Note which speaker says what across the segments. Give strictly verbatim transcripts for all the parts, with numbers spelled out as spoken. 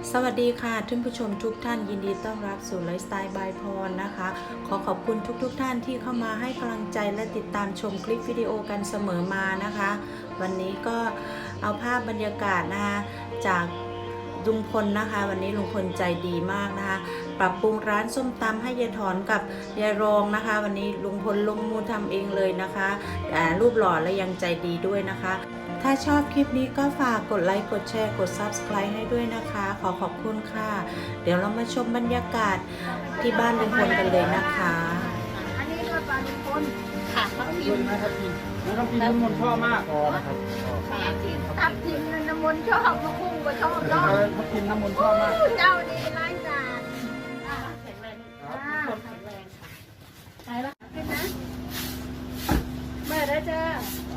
Speaker 1: สวัสดีค่ะท่านผู้ชมทุกท่านยินดีต้อนรับสู่ไลฟ์สไตล์บายพรนะคะขอขอบคุณทุกๆทท่านที่เข้ามาให้กำลังใจและติดตามชมคลิปวิดีโอกันเสมอมานะคะวันนี้ก็เอาภาพบรรยากาศนะคะจากลุงพลนะคะวันนี้ลุงพลใจดีมากนะคะปรับปรุงร้านส้มตำให้ยายถอนกับยายรองนะคะวันนี้ลุงพลลงมือทำเองเลยนะคะรูปหล่อและยังใจดีด้วยนะคะถ้าชอบคลิปนี้ก็ฝากกดไลค์กดแชร์กด ซับสไครบ์ ให้ด้วยนะคะขอขอบคุณค่ะเดี๋ยวเรามาชมบรรยากาศที่บ้านลุงพลกันเลยนะคะ
Speaker 2: อันนี้ก็ปลาลุงพล
Speaker 3: ค่ะทับทิมนะครับทิมทับทิมน้ำมนต์ชอบมากอ๋อนะครับ
Speaker 2: ทับทิมน้ำมนต์ชอบมะคุ้งก็ชอบน้อง
Speaker 3: ทับทิมน้ำมนต์ชอบมาก
Speaker 2: เจ้าดีร้ายกาจ
Speaker 3: แข็งแรงแข็งแรงค่ะไปละ
Speaker 2: เป็นนะเมื่อได้เจอ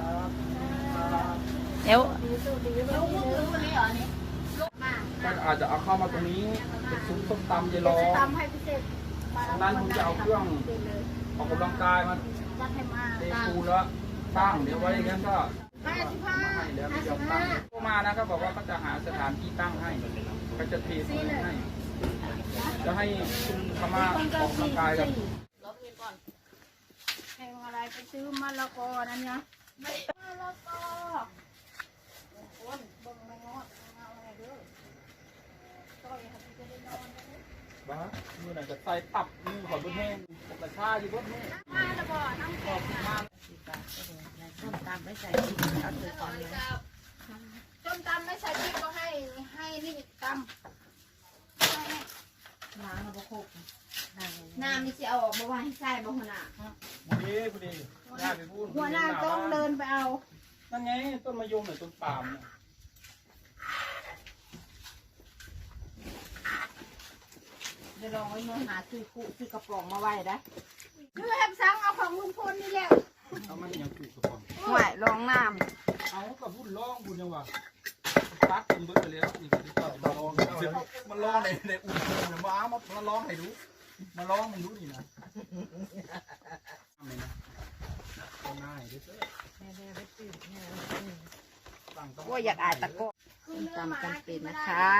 Speaker 1: เดี๋ยว
Speaker 2: ลูกลูกคนนี้เหรอนี่ลูกมา
Speaker 3: ก็อาจจะเอาเข้ามาตรงนี้เป็นซุ้มต้มตำเยลอ
Speaker 2: ตำให้พิเศษ
Speaker 3: ตรงนั้นผมจะเอาเครื่องออกกำลังกายมาเตะปูแล้วตั้งเดี๋ยวไว้อย่างนั้นก็
Speaker 2: ห้าสิบห้า
Speaker 3: ให้แล้วก็จะตั้งเข้ามานะก็บอกว่าก็จะหาสถานที่ตั้งให้ก็จะเทปูให้จะให้คุณธรรมะออกกำลังกายกัน
Speaker 2: แข่งอะไรไปซื้อมะละกอนั่นนะมะละกอคนบ่งไม่งอดเอาอะไรเด้อต่อยครับจะได้นอน
Speaker 3: บ้ามือไหนจะใส่ตับมือขอบุญแห้งกระชาอยู่บนนี้
Speaker 2: มาละบ่น้ำแข็ง
Speaker 3: มา
Speaker 1: ส้มตำไม่ใส่พริกเอาเถอะตอนนี้
Speaker 2: ส้มตำไม่ใส่พริกก็ให้ให้นี่ตำ
Speaker 1: ล้างแล้วก็โคก
Speaker 2: น้ำนี่จะเอาออกมาไว้ให้ใส่บ่หัวหน้า
Speaker 3: พอดีพอดีย่าไปพูด
Speaker 2: หัวหน้าต้องเดินไปเอา
Speaker 3: นั่นไงต้นมะยมหรือต้นปาล์มเนี่ย
Speaker 2: เดี๋ยวลองไว้เมื่อหาซื้อคู่ซื้อกระป๋องมาไว้ได้คือแฮมซังเอาของลุงพลนี่แหละ
Speaker 3: เอามันยังถูกกระป๋อง
Speaker 2: ไหวลองน้
Speaker 3: ำเอากับพูดร้องพูดยังวะตัดมันเบิดไปแล้วนี่คือต่อมาลองมันร้องในในอุ่นเนี่ยมามามาร้องให้ดูมาร้องให้ดูนี่นะนี่นะง่ายด้วย
Speaker 2: ว่าอยากอ่านตะโก้จำกันเป็นนะคะ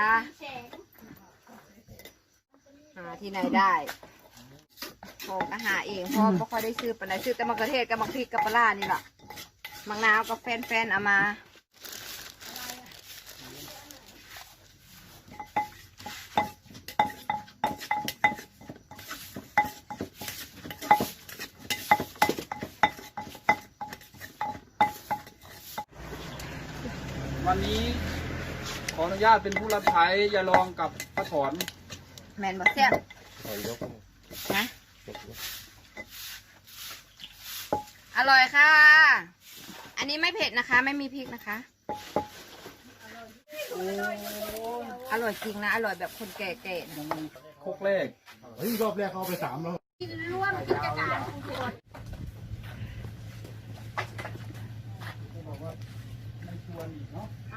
Speaker 2: หาที่ไหนได้พอก็หาเองเพราะไม่ค่อยได้ซื้อปะไหนซื้อแต่มะเขือเทศกับมะพริกกับปลานี่แหละมะนาวกับแฟนๆเอามา
Speaker 3: วันนี้ขออนุญาตเป็นผู้รับใช้ยาลองกับพระถอน
Speaker 2: แมนบะเสียนะอร่อยค่ะอันนี้ไม่เผ็ดนะคะไม่มีพริกนะคะอร่อยจริงนะอร่อยแบบคนแก่
Speaker 3: ๆโคกแรก
Speaker 4: เฮ้ยรอบแรกเขาไปสามแล้ว
Speaker 2: ร่วมกิจการทุกคน
Speaker 3: บอกว่าไม่ควรอีกเนาะ